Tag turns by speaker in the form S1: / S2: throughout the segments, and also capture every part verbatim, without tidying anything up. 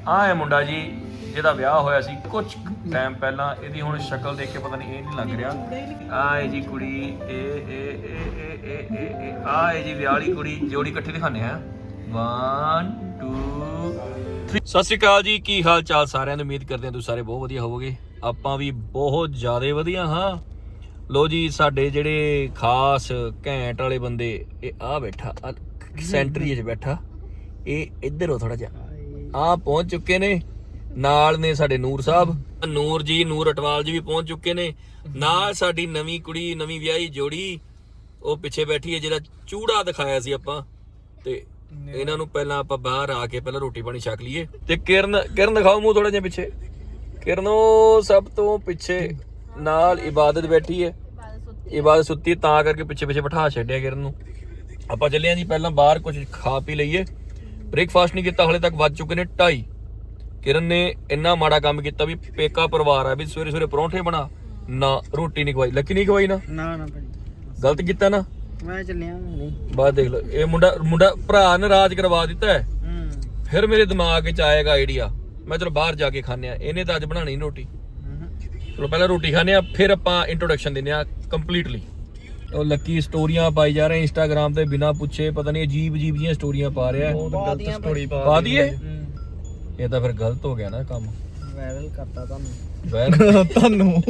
S1: ਆਹ ਹੈ ਮੁੰਡਾ ਜੀ ਜਿਹਦਾ ਵਿਆਹ ਹੋਇਆ ਸੀ ਕੁਝ ਟਾਈਮ ਪਹਿਲਾਂ। ਇਹਦੀ ਹੁਣ ਸ਼ਕਲ ਦੇਖ ਕੇ ਪਤਾ ਨਹੀਂ ਇਹ ਨਹੀਂ ਲੱਗ ਰਿਹਾ। ਆਹ ਹੈ ਜੀ ਕੁੜੀ, ਇਹ ਇਹ ਇਹ ਇਹ ਇਹ ਇਹ ਆਹ ਹੈ ਜੀ ਵਿਆਹ ਵਾਲੀ ਕੁੜੀ। ਜੋੜੀ ਇਕੱਠੀ ਦਿਖਾਣੇ ਆ। One two three. ਸਤਿ ਸ਼੍ਰੀ ਅਕਾਲ ਜੀ, ਕੀ ਹਾਲ ਚਾਲ ਸਾਰਿਆਂ ਦੀ। ਉਮੀਦ ਕਰਦੇ ਹਾਂ ਤੁਸੀਂ ਸਾਰੇ ਬਹੁਤ ਵਧੀਆ ਹੋਵੋਗੇ। ਆਪਾਂ ਵੀ ਬਹੁਤ ਜ਼ਿਆਦਾ ਵਧੀਆ ਹਾਂ। ਲੋ ਜੀ, ਸਾਡੇ ਜਿਹੜੇ ਖਾਸ ਘੈਂਟ ਵਾਲੇ ਬੰਦੇ, ਇਹ ਆ ਬੈਠਾ ਸੈਂਟਰੀ 'ਚ ਬੈਠਾ, ਇਹ ਇੱਧਰ ਹੋ ਥੋੜਾ ਜਿਹਾ, ਆ ਪਹੁੰਚ ਚੁੱਕੇ ਨੇ। ਨਾਲ ਨੇ ਸਾਡੇ ਨੂਰ ਸਾਹਿਬ, ਨੂਰ ਜੀ, ਨੂਰ ਅਟਵਾਲ ਜੀ ਵੀ ਪਹੁੰਚ ਚੁੱਕੇ ਨੇ। ਨਾਲ ਸਾਡੀ ਨਵੀਂ ਕੁੜੀ, ਨਵੀਂ ਵਿਆਹੀ ਜੋੜੀ, ਉਹ ਪਿੱਛੇ ਬੈਠੀ ਹੈ, ਜਿਹੜਾ ਚੂੜਾ ਦਿਖਾਇਆ ਸੀ ਆਪਾਂ। ਤੇ ਇਹਨਾਂ ਨੂੰ ਪਹਿਲਾਂ ਆਪਾਂ ਬਾਹਰ ਆ ਕੇ ਪਹਿਲਾਂ ਰੋਟੀ ਪਾਣੀ ਛਕ ਲਈਏ। ਤੇ ਕਿਰਨ, ਕਿਰਨ ਦਿਖਾਓ ਮੂੰਹ ਥੋੜਾ ਜਿਹਾ ਪਿੱਛੇ। ਕਿਰਨ ਉਹ ਸਭ ਤੋਂ ਪਿੱਛੇ ਨਾਲ ਇਬਾਦਤ ਬੈਠੀ ਹੈ। ਇਬਾਦਤ ਸੁੱਤੀ ਤਾਂ ਕਰਕੇ ਪਿੱਛੇ ਪਿੱਛੇ ਬਿਠਾ ਛੱਡਿਆ ਕਿਰਨ ਨੂੰ। ਆਪਾਂ ਚੱਲੇ ਆਂ ਜੀ ਪਹਿਲਾਂ ਬਾਹਰ ਕੁਝ ਖਾ ਪੀ ਲਈਏ। ਬ੍ਰੇਕਫਾਸਟ ਨਹੀਂ ਕੀਤਾ ਹਲੇ ਤੱਕ, ਵੱਜ ਚੁੱਕੇ ਨੇ ਢਾਈ। ਕਿਰਨ ਨੇ ਇੰਨਾ ਮਾੜਾ ਕੰਮ ਕੀਤਾ ਵੀ ਪੇਕਾ ਪਰਿਵਾਰ ਆ ਵੀ ਸਵੇਰੇ ਸਵੇਰੇ ਪਰੌਂਠੇ ਬਣਾ, ਨਾ ਰੋਟੀ ਨਹੀਂ ਖਵਾਈ। ਲੱਕੀ ਨਹੀਂ ਖਵਾਈ ਨਾ
S2: ਨਾ ਨਾ
S1: ਗਲਤ ਕੀਤਾ ਨਾ।
S2: ਮੈਂ ਚੱਲਿਆ ਨਹੀਂ
S1: ਬਾਅਦ ਦੇਖ ਲਓ, ਇਹ ਮੁੰਡਾ ਮੁੰਡਾ ਭਰਾ ਨੇ ਰਾਜ ਕਰਵਾ ਦਿੱਤਾ ਹੈ। ਫਿਰ ਮੇਰੇ ਦਿਮਾਗ 'ਚ ਆਏਗਾ ਆਈਡੀਆ, ਮੈਂ ਚਲੋ ਬਾਹਰ ਜਾ ਕੇ ਖਾਂਦੇ ਆ। ਇਹਨੇ ਤਾਂ ਅੱਜ ਬਣਾਣੀ ਨੀ ਰੋਟੀ। ਚਲੋ ਪਹਿਲਾਂ ਰੋਟੀ ਖਾਂਦੇ ਆ, ਫਿਰ ਆਪਾਂ ਇੰਟਰੋਡਕਸ਼ਨ ਦਿੰਦੇ ਆ ਕੰਪਲੀਟਲੀ। ਉਹ ਲੱਕੀ ਸਟੋਰੀਆਂ ਪਾਈ ਜਾ ਰਹੇ ਇੰਸਟਾਗ੍ਰਾਮ ਤੇ ਬਿਨਾਂ ਪੁੱਛੇ, ਪਤਾ ਨਹੀਂ ਅਜੀਬ ਅਜੀਬ ਜੀਆਂ ਸਟੋਰੀਆਂ ਪਾ ਰਿਹਾ।
S2: ਗਲਤ ਸਟੋਰੀ
S1: ਪਾ ਦਈਏ, ਇਹ ਤਾਂ ਫਿਰ ਗਲਤ ਹੋ ਗਿਆ ਨਾ ਕੰਮ।
S2: ਵਾਇਰਲ ਕਰਤਾ ਤੁਹਾਨੂੰ
S1: ਵਾਇਰਲ
S2: ਤੁਹਾਨੂੰ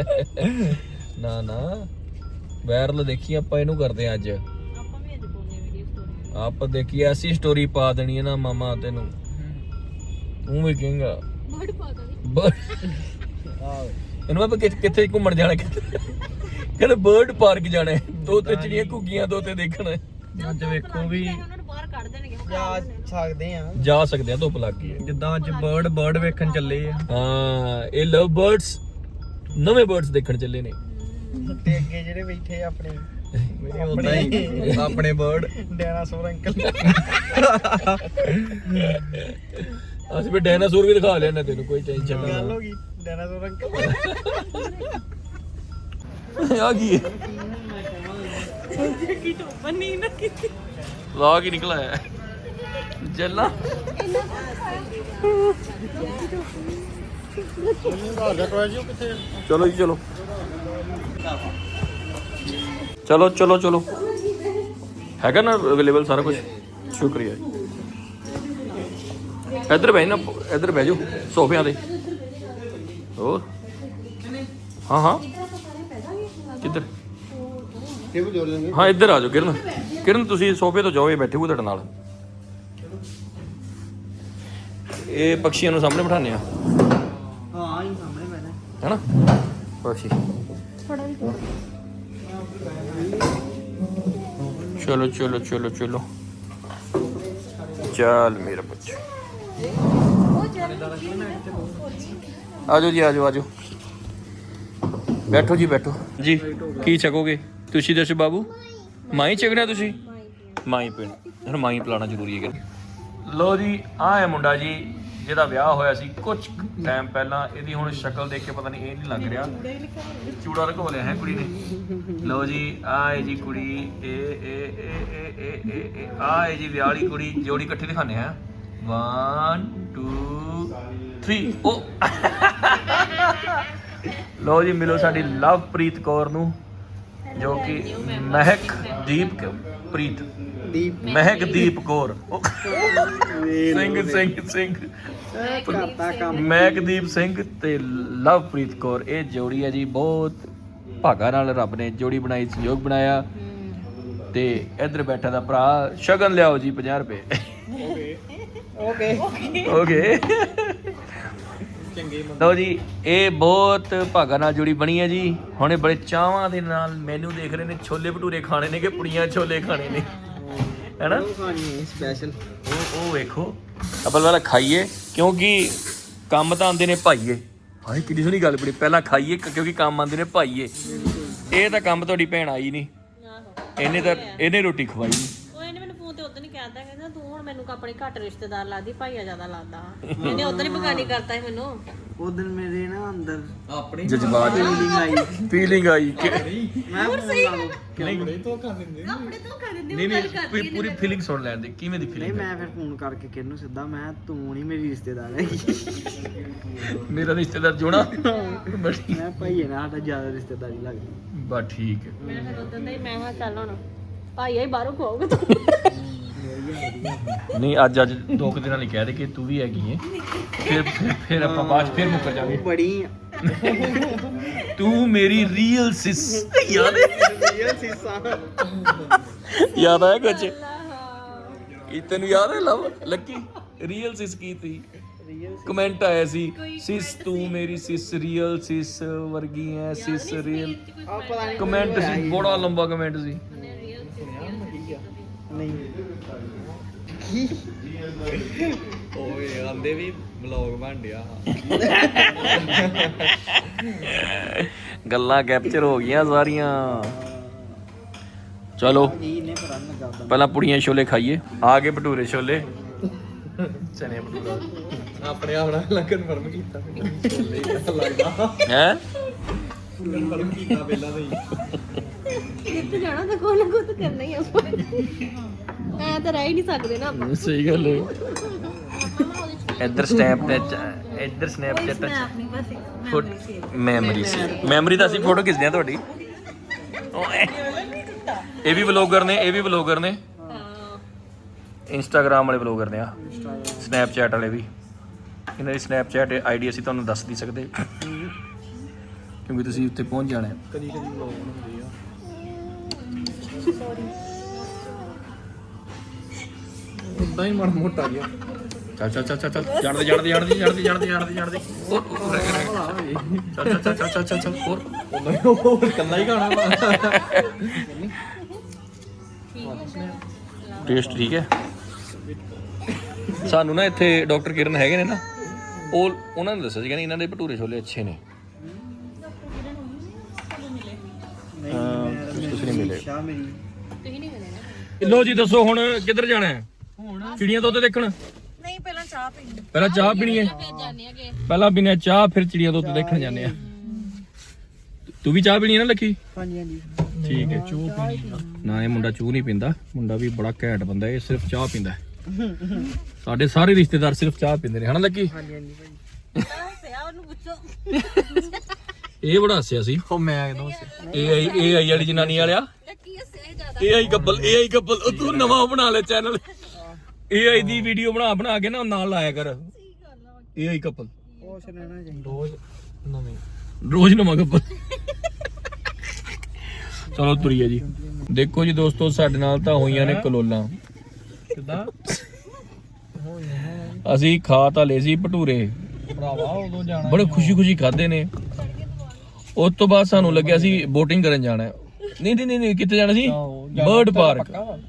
S1: ਨਾ ਨਾ ਵਾਇਰਲ ਦੇਖੀ ਆਪਾਂ ਇਹਨੂੰ ਕਰਦੇ ਆ ਅੱਜ।
S3: ਆਪਾਂ ਵੀ ਅੱਜ ਪਾਉਣੇ ਵੀਡੀਓ ਸਟੋਰੀ।
S1: ਆਪਾਂ ਦੇਖੀ ਐਸੀ ਸਟੋਰੀ ਪਾ ਦੇਣੀ ਹੈ ਨਾ ਮਾਮਾ, ਤੈਨੂੰ ਤੂੰ ਵੀ ਕਹੇਂਗਾ
S3: ਬਰਡ ਪਾ ਦੇ।
S2: ਆਹ
S1: ਇਹਨੂੰ ਆਪਾਂ ਕਿੱਥੇ ਘੁੰਮਣ ਜਾਣਾ, ਕਹਿੰਦੇ ਬਰਡ ਪਾਰਕ ਜਾਣਾ, ਦੋ ਤੇ ਚਿੜੀਆਂ ਘੁੱਗੀਆਂ, ਦੋ ਤੇ ਦੇਖਣ।
S2: ਅੱਜ ਵੇਖੋ ਵੀ
S3: ਉਹਨਾਂ ਨੂੰ ਬਾਹਰ ਕੱਢ ਦੇਣਗੇ।
S2: ਜਾ ਸਕਦੇ ਆ,
S1: ਜਾ ਸਕਦੇ ਆ, ਧੁੱਪ ਲੱਗ ਗਈ ਹੈ।
S2: ਜਿੱਦਾਂ ਅੱਜ ਬਰਡ ਬਰਡ ਵੇਖਣ ਚੱਲੇ ਆ।
S1: ਹਾਂ, ਇਹ ਲਵ ਬਰਡਸ, ਨਵੇਂ ਬਰਡਸ ਦੇਖਣ ਚੱਲੇ ਨੇ।
S2: ਤੇ ਅੱਗੇ ਜਿਹੜੇ ਬੈਠੇ ਆਪਣੇ ਮੇਰੇ ਉਦਾਂ ਹੀ ਆਪਣੇ ਬਰਡ ਡਾਇਨਾਸੌਰ ਅੰਕਲ।
S1: ਅਸੀਂ ਵੀ ਡਾਇਨਾਸੌਰ ਵੀ ਦਿਖਾ ਲਿਆ ਤੈਨੂੰ, ਕੋਈ ਟੈਨਸ਼ਨ ਨਾ।
S2: ਗੱਲ ਹੋ ਗਈ ਡਾਇਨਾਸੌਰ ਅੰਕਲ।
S1: ਆ ਕੀ ਹੈ,
S3: ਕੀ ਟੋਪਨ ਨਹੀਂ ਨਾ ਕੀਤੀ।
S1: ਲਾਗ ਹੀ ਨਿਕਲਾ ਹੈ ਜੱਲਾ। ਚਲੋ ਜੀ ਚਲੋ ਚਲੋ ਚਲੋ ਚਲੋ, ਹੈਗਾ ਨਾ ਅਵੇਲੇਬਲ ਸਾਰਾ ਕੁਝ। ਸ਼ੁਕਰੀਆ ਜੀ। ਇੱਧਰ ਬਹਿ ਨਾ, ਇੱਧਰ ਬਹਿ ਜਾਓ ਸੋਫਿਆਂ ਤੇ। ਹੋਰ ਹਾਂ ਹਾਂ, ਕਿੱਧਰ? ਹਾਂ ਇੱਧਰ ਆ ਜਾਓ ਕਿਰਨ। ਕਿਰਨ ਤੁਸੀਂ ਸੋਫੇ ਤੋਂ ਜਾਓ, ਇਹ ਬੈਠੇ ਹੋ ਤੁਹਾਡੇ ਨਾਲ। ਇਹ ਪਕਸ਼ੀਆਂ ਨੂੰ ਸਾਹਮਣੇ ਬਿਠਾਉਂਦੇ ਆ।
S2: ਹਾਂ ਹੀ ਸਾਹਮਣੇ ਬੈਠਾ
S1: ਹੈਨਾ ਪਕਸ਼ੀ। ਚਲੋ ਚਲੋ ਚਲੋ ਚਲੋ, ਚੱਲ ਮੇਰਾ ਬੱਚਾ। ਆਜੋ ਜੀ, ਆਜੋ ਆਜੋ, ਬੈਠੋ ਜੀ ਬੈਠੋ ਜੀ। ਕੀ ਛਕੋਗੇ ਤੁਸੀਂ ਦੱਸੋ ਬਾਬੂ? ਮਾਈ ਛਕਣਾ ਤੁਸੀਂ? ਮਾਈ ਪੀਣਾ, ਹੁਣ ਮਾਈ ਪਿਲਾਉਣਾ ਜ਼ਰੂਰੀ ਹੈ। ਲੋ ਜੀ, ਆਹ ਹੈ ਮੁੰਡਾ ਜੀ ਜਿਹਦਾ ਵਿਆਹ ਹੋਇਆ ਸੀ ਕੁਝ ਟਾਈਮ ਪਹਿਲਾਂ। ਇਹਦੀ ਹੁਣ ਸ਼ਕਲ ਦੇਖ ਕੇ ਪਤਾ ਨਹੀਂ ਇਹ ਨਹੀਂ ਲੱਗ ਰਿਹਾ। ਚੂੜਾ ਲਗਵਾ ਲਿਆ ਹੈ ਕੁੜੀ ਨੇ। ਲੋ ਜੀ, ਆਹ ਹੈ ਜੀ ਕੁੜੀ, ਇਹ ਇਹ ਇਹ ਇਹ ਇਹ ਇਹ ਆਹ ਹੈ ਜੀ ਵਿਆਹ ਵਾਲੀ ਕੁੜੀ। ਜੋੜੀ ਇਕੱਠੀ ਦਿਖਾਣੇ ਆ। One two three. ਉਹ ਲੋ ਜੀ, ਮਿਲੋ ਸਾਡੀ ਲਵਪ੍ਰੀਤ ਕੌਰ ਨੂੰ, ਜੋ ਕਿ ਮਹਿਕਦੀਪ ਪ੍ਰੀਤ
S2: ਦੀਪ
S1: ਮਹਿਕਦੀਪ ਕੌਰ ਸਿੰਘ ਸਿੰਘ ਸਿੰਘ
S2: ਕਰਤਾ ਕੰਮ।
S1: ਮਹਿਕਦੀਪ ਸਿੰਘ ਤੇ ਲਵਪ੍ਰੀਤ ਕੌਰ, ਇਹ ਜੋੜੀ ਹੈ ਜੀ। ਬਹੁਤ ਭਾਗਾ ਨਾਲ ਰੱਬ ਨੇ ਜੋੜੀ ਬਣਾਈ, ਸੰਯੋਗ ਬਣਾਇਆ। ਤੇ ਇੱਧਰ ਬੈਠਾ ਦਾ ਭਰਾ। ਸ਼ਗਨ ਲਿਆਓ ਜੀ ਪੰਜਾਹ ਰੁਪਏ।
S2: ਓਕੇ
S1: ਓਕੇ ਲਓ ਜੀ, ਇਹ ਬਹੁਤ ਭਾਗਾ ਨਾਲ ਜੋੜੀ ਬਣੀ ਹੈ ਜੀ। ਹੁਣ ਇਹ ਬੜੇ ਚਾਵਾਂ ਦੇ ਨਾਲ ਮੈਨੂੰ ਦੇਖ ਰਹੇ ਨੇ। ਛੋਲੇ ਭਟੂਰੇ ਖਾਣੇ ਨੇ ਕਿ ਪੁੜੀਆਂ ਛੋਲੇ ਖਾਣੇ ਨੇ, ਹੈਨਾ?
S2: ਸਪੈਸ਼ਲ
S1: ਉਹ ਉਹ ਵੇਖੋ, ਆਪਾਂ ਪਹਿਲਾਂ ਖਾਈਏ ਕਿਉਂਕਿ ਕੰਮ ਤਾਂ ਆਉਂਦੇ ਨੇ ਭਾਈਏ। ਹਾਏ ਕਿੰਨੀ ਸੋਹਣੀ ਗੱਲ ਬਣੀ, ਪਹਿਲਾਂ ਖਾਈਏ ਕਿਉਂਕਿ ਕੰਮ ਆਉਂਦੇ ਨੇ ਭਾਈਏ। ਇਹ ਤਾਂ ਕੰਮ ਤੁਹਾਡੀ ਭੈਣ ਆਈ ਨਹੀਂ, ਇਹਨੇ ਤਾਂ ਇਹਨੇ ਰੋਟੀ ਖਵਾਈ ਨਹੀਂ।
S3: ਉਹ ਇਹਨੇ ਮੈਨੂੰ ਫੋਨ ਤੇ ਉਦੋਂ ਨਹੀਂ ਕਹਿਤਾ, ਕਹਿੰਦਾ ਤੂੰ ਹੁਣ ਮੈਨੂੰ ਆਪਣੇ ਘੱਟ ਰਿਸ਼ਤੇਦਾਰ ਲੱਗਦੀ, ਭਾਈਆ ਜ਼ਿਆਦਾ ਲੱਗਦਾ। ਇਹਨੇ ਉਦੋਂ ਹੀ ਬਗਾਨੀ ਕਰਤਾ ਸੀ ਮੈਨੂੰ।
S2: ਉਹ ਦਿਨ ਮੇਰੇ ਨਾ ਅੰਦਰ
S4: ਆਪਣੇ
S1: ਜਜ਼ਬਾਤ
S2: ਫੀਲਿੰਗ ਆਈ
S1: ਫੀਲਿੰਗ ਆਈ ਕਿ
S2: ਮੈਂ ਫੋਨ ਲਾ ਲਓ
S4: ਆਪਣੇ ਤੋਂ ਕਰ ਦਿੰਦੇ
S3: ਆਪਣੇ ਤੋਂ ਕਰ ਦਿੰਦੇ
S1: ਨਹੀਂ ਨਹੀਂ ਪੂਰੀ ਪੂਰੀ ਫੀਲਿੰਗ ਸੁਣ ਲੈਣ ਦੇ ਕਿਵੇਂ ਦੀ
S2: ਨਹੀਂ
S1: ਫੀਲਿੰਗ
S2: ਮੈਂ ਫਿਰ ਫੋਨ ਕਰਕੇ ਕਿਹਨੂੰ ਸਿੱਧਾ ਮੈਂ ਤੂੰ ਨਹੀਂ ਮੇਰੀ ਰਿਸ਼ਤੇਦਾਰ ਹੈਗੀ
S1: ਮੇਰਾ ਰਿਸ਼ਤੇਦਾਰ ਜੋੜਾ ਬੜੀ
S2: ਮੈਂ ਭਾਈਏ ਨਾਲ ਸਾਡਾ ਜ਼ਿਆਦਾ ਰਿਸ਼ਤੇਦਾਰੀ ਲੱਗਦੀ
S1: ਬਸ ਠੀਕ ਹੈ
S3: ਮੈਂ ਫਿਰ ਉਦੋਂ ਦਾ ਹੀ ਮੈਂ ਹਾਂ ਚੱਲ ਹੁਣ ਭਾਈ ਆਈ ਬਾਹਰੋਂ ਖਵਾਓਗੇ ਤੂੰ
S1: ਨਹੀਂ ਅੱਜ ਅੱਜ ਦੋ ਕੁ ਦਿਨਾਂ ਲਈ ਕਹਿ ਦੇ ਕਿ ਤੂੰ ਵੀ ਹੈਗੀ ਹੈ ਫਿਰ ਫਿਰ ਫਿਰ ਆਪਾਂ ਬਾਅਦ 'ਚ ਫਿਰ ਮੁੱਕਰ ਜਾਵਾਂਗੇ
S2: ਉਹ ਬੜੀ
S1: ਤੂੰ ਮੇਰੀ ਰੀਅਲ ਸਿਸ ਯਾਦ ਹੈ
S2: ਰੀਅਲ ਸੀਸਾ
S1: ਯਾਦ ਆਇਆ ਕੁਝ ਇਹ ਤੈਨੂੰ ਯਾਦ ਹੈ ਲਵ ਲੱਕੀ ਰੀਅਲ ਸਿਸ ਕੀ ਤੀ ਕਮੈਂਟ ਆਇਆ ਸੀ ਸਿਸ ਤੂੰ ਮੇਰੀ ਸਿਸ ਰੀਅਲ ਸਿਸ ਵਰਗੀ ਹੈ ਸਿਸ ਰੀਅਲ
S2: ਆ ਪਤਾ ਨਹੀਂ
S1: ਕਮੈਂਟ ਸੀ ਬੜਾ ਲੰਬਾ ਕਮੈਂਟ ਸੀ
S2: ਨਹੀਂ
S4: ਓਏ ਆਂਦੇ ਵੀ ਵਲੌਗ ਬਣ ਡਿਆ
S1: ਗੱਲਾਂ ਕੈਪਚਰ ਹੋ ਗਈਆਂ ਸਾਰੀਆਂ ਚਲੋ
S2: ਇਹ ਨੇ ਪਤਾ ਨਹੀਂ ਲੱਗਦਾ
S1: ਪਹਿਲਾਂ ਪੁੜੀਆਂ ਛੋਲੇ ਖਾਈਏ ਆ ਗਏ ਭਟੂਰੇ ਛੋਲੇ ਚਨੇ ਭਟੂਰਾ
S4: ਆਪਣੇ ਆਪ ਨਾਲ ਕਨਫਰਮ ਕੀਤਾ ਛੋਲੇ ਹੀ ਲੱਗਦਾ
S1: ਹੈ
S4: ਕਨਫਰਮ ਕੀਤਾ ਪਹਿਲਾਂ ਤਾਂ ਹੀ
S3: ਕਿੱਥੇ ਜਾਣਾ ਤਾਂ ਕੋਈ ਨਾ ਕੋਈ ਤਾਂ ਕਰਨਾ ਹੀ ਆਪਾਂ ਐ ਤਾਂ ਰਹਿ ਹੀ ਨਹੀਂ ਸਕਦੇ ਨਾ ਆਪਾਂ
S1: ਸਹੀ ਗੱਲ ਹੈ ਇੱਧਰ ਸਨੈਪ ਤੇ ਇੱਧਰ ਸਨੈਪਚੈਟ ਤੇ
S3: ਆਪਣੀ ਬਸ
S1: ਮੈਮਰੀ ਸੀ ਮੈਮਰੀ ਤਾਂ ਅਸੀਂ ਫੋਟੋ ਖਿੱਚਦੇ ਆ ਤੁਹਾਡੀ ਓਏ ਇਹ ਵੀ ਵਲੌਗਰ ਨੇ ਇਹ ਵੀ ਵਲੌਗਰ ਨੇ
S3: ਹਾਂ
S1: ਇੰਸਟਾਗ੍ਰਾਮ ਵਾਲੇ ਵਲੌਗਰ ਨੇ ਆ ਸਨੈਪਚੈਟ ਵਾਲੇ ਵੀ ਇਹਨਾਂ ਦੀ ਸਨੈਪਚੈਟ ਆਈਡੀ ਅਸੀਂ ਤੁਹਾਨੂੰ ਦੱਸ ਨਹੀਂ ਸਕਦੇ ਕਿਉਂਕਿ ਤੁਸੀਂ ਉੱਤੇ ਪਹੁੰਚ ਜਾਣਾ ਹੈ
S4: ਕਦੀ ਕਦੀ ਵਲੌਗ ਹੁੰਦੀ ਆ ਉਦਾਂ ਹੀ ਮਨ ਮੋਟਾ ਗਿਆ
S1: ਚੱਲ ਚੱਲ ਚੱਲ ਚੱਲ ਚੱਲ ਜਾਣਦੇ ਜਾਣਦੇ ਜਾਣਦੇ ਜਾਣਦੇ ਜਾਣਦੇ ਜਾਣਦੇ ਜਾਣਦੇ ਹੋਰ ਹੋਰ ਰਹਿ ਗਿਆ, ਰਹਿ ਗਿਆ। ਚੱਲ ਚੱਲ ਚੱਲ ਚੱਲ ਚੱਲ ਚੱਲ ਹੋਰ
S4: ਉਦਾਂ ਹੀ ਹੋਰ ਕੱਲਾ ਹੀ ਖਾਣਾ ਵਾ
S1: ਟੇਸਟ ਠੀਕ ਹੈ ਸਾਨੂੰ ਨਾ ਇੱਥੇ ਡਾਕਟਰ ਕਿਰਨ ਹੈਗੇ ਨੇ ਨਾ ਉਹ ਉਹਨਾਂ ਨੇ ਦੱਸਿਆ ਸੀ ਕਹਿੰਦੇ ਇਹਨਾਂ ਦੇ ਭਟੂਰੇ ਛੋਲੇ ਅੱਛੇ ਨੇ
S2: ਨਹੀਂ
S1: ਤੁਸੀਂ ਨਹੀਂ ਮਿਲੇ
S2: ਸ਼ਾਹ ਮੇਰੀ
S3: ਤੁਸੀਂ ਨਹੀਂ ਮਿਲੇ ਨਾ
S1: ਲੋ ਜੀ ਦੱਸੋ ਹੁਣ ਕਿੱਧਰ ਜਾਣਾ ਹੈ
S2: ਹੁਣ
S1: ਚਿੜੀਆਂ ਤੋਂ ਉੱਤੇ ਦੇਖਣ
S3: ਨਹੀਂ ਪਹਿਲਾਂ ਚਾਹ ਪੀਣੀ
S1: ਪਹਿਲਾਂ ਚਾਹ ਪੀਣੀ ਹੈ
S3: ਫਿਰ ਜਾਣੇ ਆਗੇ
S1: ਪਹਿਲਾਂ ਪੀਣੇ ਚਾਹ ਫਿਰ ਚਿੜੀਆਂ ਤੋਂ ਉੱਤੇ ਦੇਖਣ ਜਾਂਦੇ ਆ ਤੂੰ ਵੀ ਚਾਹ ਪੀਣੀ ਹੈ ਨਾ ਲੱਕੀ
S2: ਹਾਂਜੀ ਹਾਂਜੀ
S1: ਠੀਕ ਹੈ ਚੂਹ ਪੀਣੀ ਨਾ ਇਹ ਮੁੰਡਾ ਚੂਹ ਨਹੀਂ ਪੀਂਦਾ ਮੁੰਡਾ ਵੀ ਬੜਾ ਘੈਂਟ ਬੰਦਾ ਇਹ ਸਿਰਫ ਚਾਹ ਪੀਂਦਾ ਹੈ। ਸਾਡੇ ਸਾਰੇ ਰਿਸ਼ਤੇਦਾਰ ਸਿਰਫ ਚਾਹ ਪੀਂਦੇ ਨੇ ਹਨਾ ਲੱਕੀ
S2: ਹਾਂਜੀ ਹਾਂਜੀ ਭਾਈ
S3: ਸਿਆ ਉਹਨੂੰ ਪੁੱਛੋ
S1: ਇਹ ਬੜਾ ਹੱਸਿਆ ਸੀ
S4: ਉਹ ਮੈਂ ਕਿਦੋਂ
S1: ਏ ਆਈ ਏ ਆਈ ਵਾਲੀ ਜਨਾਨੀ ਵਾਲਿਆ
S3: ਲੱਕੀ ਹੱਸਿਆ ਜ਼ਿਆਦਾ
S1: ਏ ਆਈ ਕਪਲ ਏ ਆਈ ਕਪਲ ਉਹ ਤੂੰ ਨਵਾਂ ਬਣਾ ਲੈ ਚੈਨਲ ਏ ਆਈ ਦੀ ਵੀਡੀਓ ਬਣਾ ਬਣਾ ਕੇ ਨਾ ਨਾਲ ਲਾਇਆ ਕਰ ਏ ਆਈ ਕਪਲ
S2: ਕੁਛ ਰਹਿਣਾ ਚਾਹੀਦਾ
S4: ਰੋਜ਼ ਨਵੇਂ
S1: ਰੋਜ਼ ਨਵਾਂ ਕਪਲ ਚਲੋ ਤੁਰੀਏ ਜੀ ਦੇਖੋ ਜੀ ਦੋਸਤੋ ਸਾਡੇ ਨਾਲ ਤਾਂ ਹੋਈਆਂ ਨੇ ਕਲੋਲਾਂ
S4: ਕਿਦਾਂ
S1: ਅਸੀਂ ਖਾ ਤਾਂ ਲਏ ਸੀ ਭਟੂਰੇ
S4: ਭਰਾਵਾ ਉਦੋਂ ਜਾਣਾ
S1: ਬੜੇ ਖੁਸ਼ੀ ਖੁਸ਼ੀ ਖਾਦੇ ਨੇ ਉਸ ਤੋਂ ਬਾਅਦ ਸਾਨੂੰ ਲੱਗਿਆ ਸੀ ਬੋਟਿੰਗ ਕਰਨ ਜਾਣਾ ਹੈ। ਨਹੀਂ ਨਹੀਂ ਨਹੀਂ ਕਿੱਥੇ ਜਾਣਾ ਸੀ ਬਰਡ ਪਾਰਕ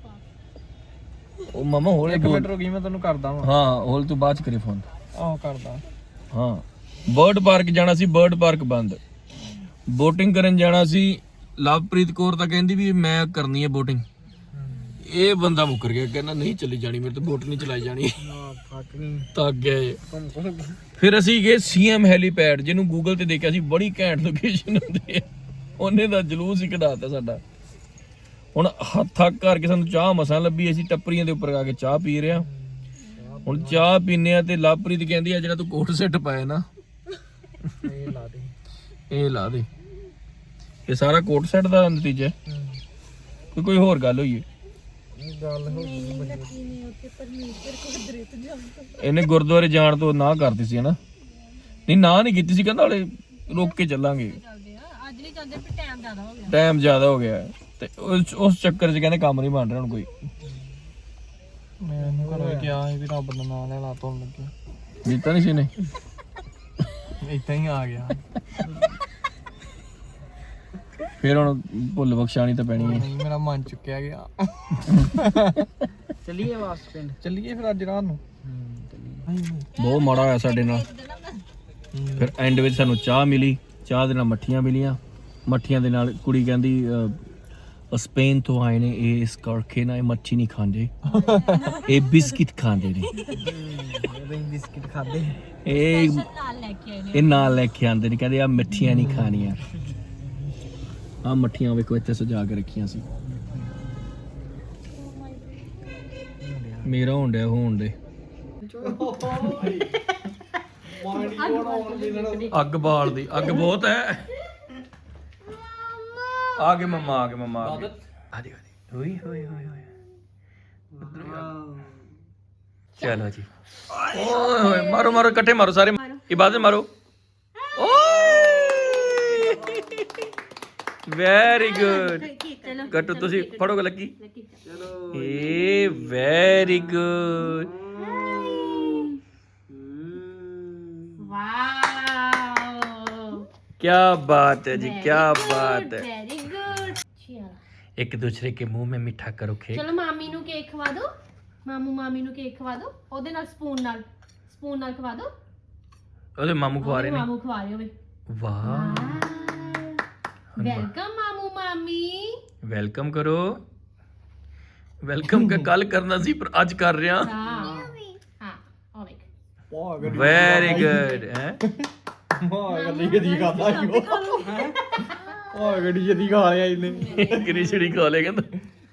S1: ਉਹ ਮਾਮਾ ਹੋਲੇ
S4: ਇੱਕ ਮਿੰਟ ਰੁਕੀ ਮੈਂ ਤੈਨੂੰ ਕਰਦਾ ਵਾਂ
S1: ਹਾਂ ਹੋਲ ਤੂੰ ਬਾਅਦ ਚ ਕਰੀ ਫੋਨ
S4: ਆਹ ਕਰਦਾ
S1: ਹਾਂ ਬਰਡ ਪਾਰਕ ਜਾਣਾ ਸੀ ਬਰਡ ਪਾਰਕ ਬੰਦ ਬੋਟਿੰਗ ਕਰਨ ਜਾਣਾ ਸੀ ਲਵਪ੍ਰੀਤ ਕੌਰ ਤਾਂ ਕਹਿੰਦੀ ਵੀ ਮੈਂ ਕਰਨੀ ਹੈ ਬੋਟਿੰਗ ਇਹ ਬੰਦਾ ਮੁੱਕਰ ਗਿਆ ਕਹਿੰਦਾ ਨਹੀਂ ਚੱਲੀ ਜਾਣੀ ਮੇਰੇ ਤੋਂ ਬੋਟ ਨਹੀਂ ਚਲਾਈ ਜਾਣੀ
S2: ਫੱਕ ਨਹੀਂ
S1: ਤਾਂ ਗਏ ਫਿਰ ਅਸੀਂ ਗਏ ਸੀਐਮ ਹੈਲੀਪੈਡ ਜਿਹਨੂੰ ਗੂਗਲ ਤੇ ਦੇਖਿਆ ਸੀ ਬੜੀ ਘੈਂਟ ਲੋਕੇਸ਼ਨ ਹੁੰਦੀ ਹੈ ਉਹਨੇ ਦਾ ਜਲੂਸ ਹੀ ਕਢਾਤਾ ਸਾਡਾ ਹੁਣ ਹੱਥ ਥੱਕ ਕਰਕੇ ਸਾਨੂੰ ਚਾਹ ਮਸਾਂ ਲੱਭੀ ਅਸੀਂ ਟੱਪਰੀਆਂ ਦੇ ਉੱਪਰ ਆ ਕੇ ਚਾਹ ਪੀ ਰਹੇ ਹਾਂ ਹੁਣ ਚਾਹ ਪੀਨੇ ਆ ਤੇ ਲਵਪ੍ਰੀਤ ਕਹਿੰਦੀ ਆ ਜਿਹੜਾ ਤੂੰ ਕੋਟ ਸੈੱਟ ਪਾਇਆ ਨਾ
S4: ਇਹ ਲਾ ਦੇ
S1: ਇਹ ਲਾ ਦੇ ਇਹ ਸਾਰਾ ਕੋਟ ਸੈੱਟ ਦਾ ਨਤੀਜਾ ਹੈ ਕੋਈ ਕੋਈ ਹੋਰ ਗੱਲ ਹੋਈ ਹੈ
S4: ਗੱਲ ਹੋ ਗਈ
S1: ਇਹਨੇ ਗੁਰਦੁਆਰੇ ਜਾਣ ਤੋਂ ਨਾ ਕਰਤੀ ਸੀ ਹਨਾ ਨਹੀਂ ਨਾ ਨਹੀਂ ਕੀਤੀ ਸੀ ਕਹਿੰਦਾ ਹਲੇ ਰੁਕ ਕੇ ਚੱਲਾਂਗੇ
S3: ਅੱਜ ਨਹੀਂ ਜਾਂਦੇ ਵੀ ਟਾਈਮ ਜ਼ਿਆਦਾ ਹੋ ਗਿਆ
S1: ਟਾਈਮ ਜ਼ਿਆਦਾ ਹੋ ਗਿਆ ਤੇ ਉਸ ਉਸ ਚੱਕਰ 'ਚ ਕਹਿੰਦੇ ਕੰਮ ਨਹੀਂ ਬਣ ਰਿਹਾ ਹੁਣ ਕੋਈ
S4: ਮੈਂ ਇਹਨੂੰ ਘਰੋਂ ਕਿਹਾ ਸੀ ਵੀ ਰੱਬ ਦਾ ਨਾਮ ਲੈ ਲਾ ਤੋਣ ਲੱਗੇ
S1: ਦਿੱਤਾ ਨਹੀਂ ਸੀ ਨੇ
S4: ਇੱਦਾਂ ਹੀ ਆ ਗਿਆ
S1: ਫਿਰ ਹੁਣ ਭੁੱਲ ਬਖਸ਼ਾਣੀ ਤਾਂ ਪੈਣੀ ਹੈ
S4: ਨਹੀਂ ਮੇਰਾ ਮਨ ਚੁੱਕਿਆ ਗਿਆ
S2: ਚੱਲੀਏ ਵਾਪਸ ਪਿੰਡ
S4: ਚੱਲੀਏ ਫਿਰ ਅੱਜ ਰਾਤ ਨੂੰ
S1: ਬਹੁਤ ਮਾੜਾ ਹੋਇਆ ਸਾਡੇ ਨਾਲ ਫਿਰ ਐਂਡ ਵਿੱਚ ਸਾਨੂੰ ਚਾਹ ਮਿਲੀ ਚਾਹ ਦੇ ਨਾਲ ਮੱਠੀਆਂ ਮਿਲੀਆਂ ਮੱਠੀਆਂ ਦੇ ਨਾਲ ਕੁੜੀ ਕਹਿੰਦੀ ਅਹ, ਉਹ ਸਪੇਨ ਤੋਂ ਆਏ ਨੇ ਇਹ ਇਸ ਕਰਕੇ ਨਾ ਇਹ ਮੱਛੀ ਨਹੀਂ ਖਾਂਦੇ ਇਹ ਬਿਸਕਿਟ ਖਾਂਦੇ ਨੇ
S2: ਇਹ ਬਿਸਕਿਟ ਖਾਦੇ
S1: ਇਹ
S3: ਨਾਲ ਲੈ ਕੇ ਆਏ ਨੇ
S1: ਇਹ ਨਾਲ ਲੈ ਕੇ ਆਂਦੇ ਨੇ ਕਹਿੰਦੇ ਆ ਮਿੱਠੀਆਂ ਨਹੀਂ ਖਾਣੀਆਂ ਆ ਮੱਠੀਆਂ ਵੇਖੋ ਇੱਥੇ ਸਜਾ ਕੇ ਰੱਖੀਆਂ ਸੀ ਮੇਰਾ ਹੋਣ ਡਿਆ ਹੋਣ ਦੇ ਅੱਗ ਬਾਲਦੀ ਅੱਗ ਬਹੁਤ ਹੈ ਆ ਗਏ ਮਮਾ ਆ ਗਏ ਮਮਾ ਆ ਗਏ ਆ ਦੇ ਹੋਈ ਹੋਈ ਹੋਈ ਹੋਈ ਚਲੋ ਜੀ ਓਏ ਹੋਏ ਮਾਰੋ ਮਾਰੋ ਇਕੱਠੇ ਮਾਰੋ ਸਾਰੇ ਇਬਾਦਤ ਮਾਰੋ ਓਏ ਵੈਰੀ ਗੁੱਡ
S3: ਚਲੋ
S1: ਕੱਟੋ ਤੁਸੀਂ ਫੜੋਗੇ ਲੱਗੀ
S2: ਚਲੋ
S1: ਏ ਵੈਰੀ ਗੁੱਡ
S3: ਵਾਓ
S1: ਕੀ ਬਾਤ ਹੈ ਜੀ ਕੀ ਬਾਤ ਹੈ
S3: ਵੈਰੀ ਗੁੱਡ ਚਲੋ
S1: ਇੱਕ ਦੂਸਰੇ ਕੇ ਮੂੰਹ में मीठा करो केक
S3: ਚਲੋ ਮਾਮੀ ਨੂੰ ਕੇਕ ਖਵਾ ਦਿਓ ਮਾਮੂ ਮਾਮੀ ਨੂੰ ਕੇਕ ਖਵਾ ਦਿਓ ਉਹਦੇ ਨਾਲ ਸਪੂਨ ਨਾਲ ਸਪੂਨ ਨਾਲ ਖਵਾ ਦਿਓ
S1: ਉਹਦੇ ਮਾਮੂ ਖਵਾ ਰਹੇ ਨੇ
S3: ਮਾਮੂ ਖਵਾ ਰਹੇ ਹੋਵੇ
S1: ਵਾਹ
S3: ਵੈਲਕਮ ਮਾਮੂ ਮਾਮੀ
S1: ਵੈਲਕਮ ਕਰੋ ਵੈਲਕਮ ਕੱਲ ਕਰਨਾ ਸੀ ਪਰ ਅੱਜ ਕਰ ਰਿਹਾ
S3: ਹਾਂ ਹਾਂ ਉਹ ਵੇਖ
S1: ਵੈਰੀ ਗੁੱਡ ਹੈ
S2: ਮਾਂ ਗੱਡੀ ਗੱਡੀ ਖਾਦਾ ਹੀ ਉਹ ਉਹ ਗੱਡੀ ਜਦੀ ਖਾ ਲਿਆ ਇਹਨੇ
S1: ਕਿੰਨੀ ਛੜੀ ਖਾ ਲੇ ਕਹਿੰਦਾ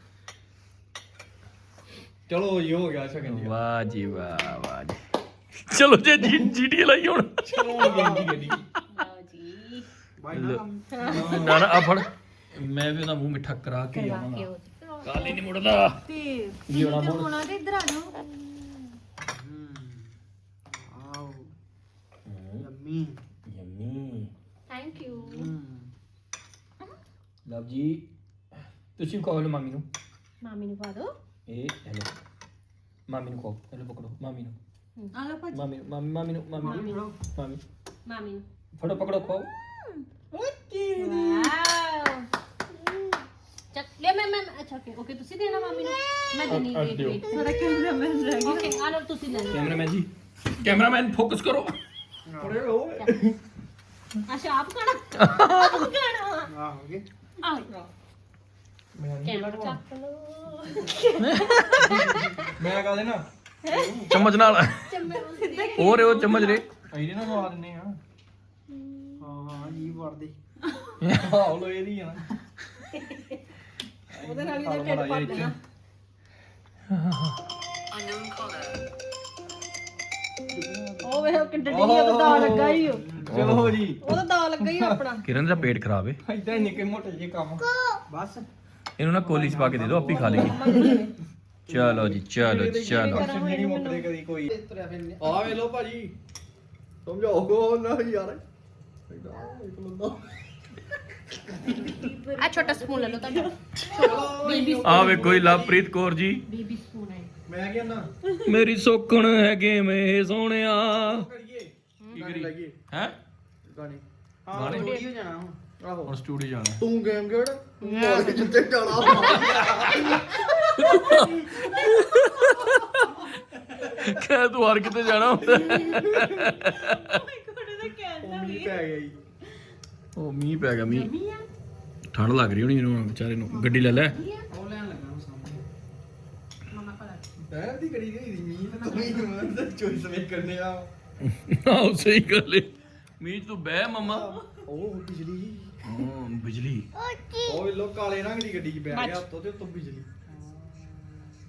S2: ਚਲੋ ਇਹ ਹੋ ਗਿਆ ਸ਼ਗਨ ਜੀ
S1: ਵਾਹ ਜੀ ਵਾਹ ਵਾਹ ਜੀ ਚਲੋ ਜੇ ਜੀਟੀ ਲਾਈ ਹੁਣ
S2: ਚਲੋ ਗੱਡੀ ਗੱਡੀ
S3: ਲਓ ਜੀ
S1: ਨਾ ਨਾ ਆ ਫੜ ਮੈਂ ਵੀ ਉਹਦਾ ਮੂੰਹ ਮਿੱਠਾ ਕਰਾ ਕੇ
S3: ਲਾ
S1: ਆਵਾਂਗਾ
S3: ਕੇ ਉਹ
S1: ਕਾਲ ਹੀ ਨਹੀਂ ਮੁੜਦਾ
S3: ਤੇ
S1: ਜੀ ਹੋਣਾ ਹੁਣ
S3: ਹੋਣਾ ਤੇ ਇਧਰ ਆ ਜਾਓ
S2: ਆਓ yummy
S1: yummy
S3: thank you
S1: love ਜੀ ਤੁਸੀਂ ਵੀ ਕਹੋ ਮਾਮੀ ਨੂੰ
S3: ਮਾਮੀ ਨੂੰ ਪਾ ਦਿਓ
S1: ਇਹ ਹੈਲੋ ਮਾਮੀ ਨੂੰ ਕਹੋ ਹੈਲੋ ਪਕੜੋ ਮਾਮੀ ਨੂੰ
S3: ਆ ਲਓ ਭਾਜੀ
S1: ਮਾਮੀ ਨੂੰ ਮਾਮੀ ਮਾਮੀ ਨੂੰ ਮਾਮੀ ਨੂੰ ਮਾਮੀ
S3: ਮਾਮੀ ਨੂੰ
S1: ਫੜੋ ਪਕੜੋ ਖਾਓ
S3: ਵਾਓ ਚੱਕ ਲੈ ਮੈਂ ਮੈਂ ਅੱਛਾ ਓਕੇ ਓਕੇ ਤੁਸੀਂ ਦੇਣਾ ਮਾਮੀ ਨੂੰ ਮੈਂ ਦੇਣੀ ਵੇਟ ਵੇਟ ਥੋੜਾ ਕੈਮਰਾਮੈਨ ਰਹਿ ਗਿਆ ਓਕੇ ਆ ਲਓ ਤੁਸੀਂ ਲੈ ਲਓ
S1: ਕੈਮਰਾਮੈਨ ਜੀ ਕੈਮਰਾਮੈਨ ਫੋਕਸ ਕਰੋ
S2: ਪੜੇ ਹੋ
S3: ਅੱਛਾ ਆਪ ਖਾਣਾ ਆਪ ਖਾਣਾ
S2: ਆਹੋਗੇ
S3: ਆ ਕੈਮਰਾ ਚੱਕ ਲਓ
S2: ਮੈਂ ਕਹ ਦੇਣਾ
S1: ਚਮਚ ਨਾਲ ਹੋਰ ਉਹ ਚਮਚ ਰੇ
S2: ਇਹਦੇ ਨਾਲ ਖਵਾ ਦਿੰਨੇ ਆ ਹਾਂ ਹਾਂ ਜੀ ਵੜਦੇ ਆਹ ਲੋ ਇਹਦੀ ਆ ਨਾ
S3: ਉਹਦੇ ਨਾਲ ਇਹਦਾ ਢਿੱਡ ਭਰ ਦੇਣਾ ਉਹ ਵੇ ਕਿੱਡੀ ਉਹਦਾ ਦਾ ਲੱਗਾ ਹੀ ਉਹ
S2: ਚਲੋ ਜੀ
S3: ਉਹਦਾ ਦਾ ਲੱਗਾ ਹੀ ਆਪਣਾ
S1: ਕਿਰਨ ਦਾ ਪੇਟ ਖਰਾਬ ਹੈ
S2: ਇਦਾਂ ਨਿੱਕੇ ਮੋਟੇ ਜਿਹੇ ਕੰਮ ਬਸ
S1: ਇਹਨੂੰ ਨਾ ਕੋਲੀ ਚ ਪਾ ਕੇ ਦੇ ਦਿਓ ਆਪੇ ਖਾ ਲੇਗੀ ਚਲੋ ਜੀ ਚਲੋ ਚਲੋ
S2: ਨਹੀਂ ਮੁੱਕਦੇ ਕਦੀ ਕੋਈ ਆ ਵੇ ਲੋ ਭਾਜੀ ਸਮਝਾਓਗੋ ਨਾ ਯਾਰ
S3: ਆ ਛੋਟਾ ਸਪੂਨ ਲੈ ਲਓ ਤੁਹਾਡਾ ਬੇਬੀ
S1: ਆ ਵੇ ਕੋਈ ਲਵਪ੍ਰੀਤ ਕੌਰ ਜੀ
S3: ਬੇਬੀ ਸਪੂਨ ਹੈ
S2: ਮੈਂ ਕਿਹਾ ਨਾ
S1: ਮੇਰੀ ਸੋਕਣ ਹੈਗੇ ਮੇ ਸੋਹਣਿਆ
S2: ਕਰੀਏ
S1: ਕੀ ਕਰੀ
S2: ਲਾਈਏ
S1: ਹੈ
S2: ਗਾਣੇ ਹਾਂ ਸਟੂਡੀਓ ਜਾਣਾ ਹੁਣ ਆਹੋ
S1: ਹੁਣ ਸਟੂਡੀਓ ਜਾਣਾ
S2: ਤੂੰ ਗੇਮ ਖੇਡ ਮਾਰ ਕੇ ਜਿੱਤੇ ਜਾਣਾ
S1: ਕਹਿ ਤੂੰ ਹਰ ਕਿਤੇ ਜਾਣਾ ਹੁੰਦਾ
S2: ਉਹ ਮੀਂਹ ਪੈ ਗਿਆ ਜੀ
S1: ਉਹ ਮੀਂਹ ਪੈ ਗਿਆ ਮੀਂਹ ਠੰਡ ਲੱਗ ਰਹੀ ਹੋਣੀ ਇਹਨੂੰ ਵਿਚਾਰੇ ਨੂੰ ਗੱਡੀ ਲੈ ਲੈ
S2: ਉਹ ਲੈਣ ਲੱਗਾ ਮੈਂ ਸਾਹਮਣੇ ਪੈਰ ਦੀ ਕੜੀ ਗਈ ਦੀ ਮੀਂਹ ਤਾਂ ਤੂੰ ਹੀ ਮੈਂ ਚੋਇਸ ਵੇ ਕਰਨੇ ਆ
S1: ਆਹ ਸਹੀ ਗੱਲ ਏ ਮੀਂਹ 'ਚ ਤੂੰ ਬਹਿ ਮਮਾ
S2: ਉਹ ਬਿਜਲੀ
S1: ਹਾਂ ਬਿਜਲੀ
S2: ਉਹ ਲੋ ਕਾਲੇ ਰੰਗ ਦੀ ਗੱਡੀ 'ਚ ਬੈ ਗਿਆ ਉੱਤੋਂ ਤੇ ਉੱਤੋਂ ਬਿਜਲੀ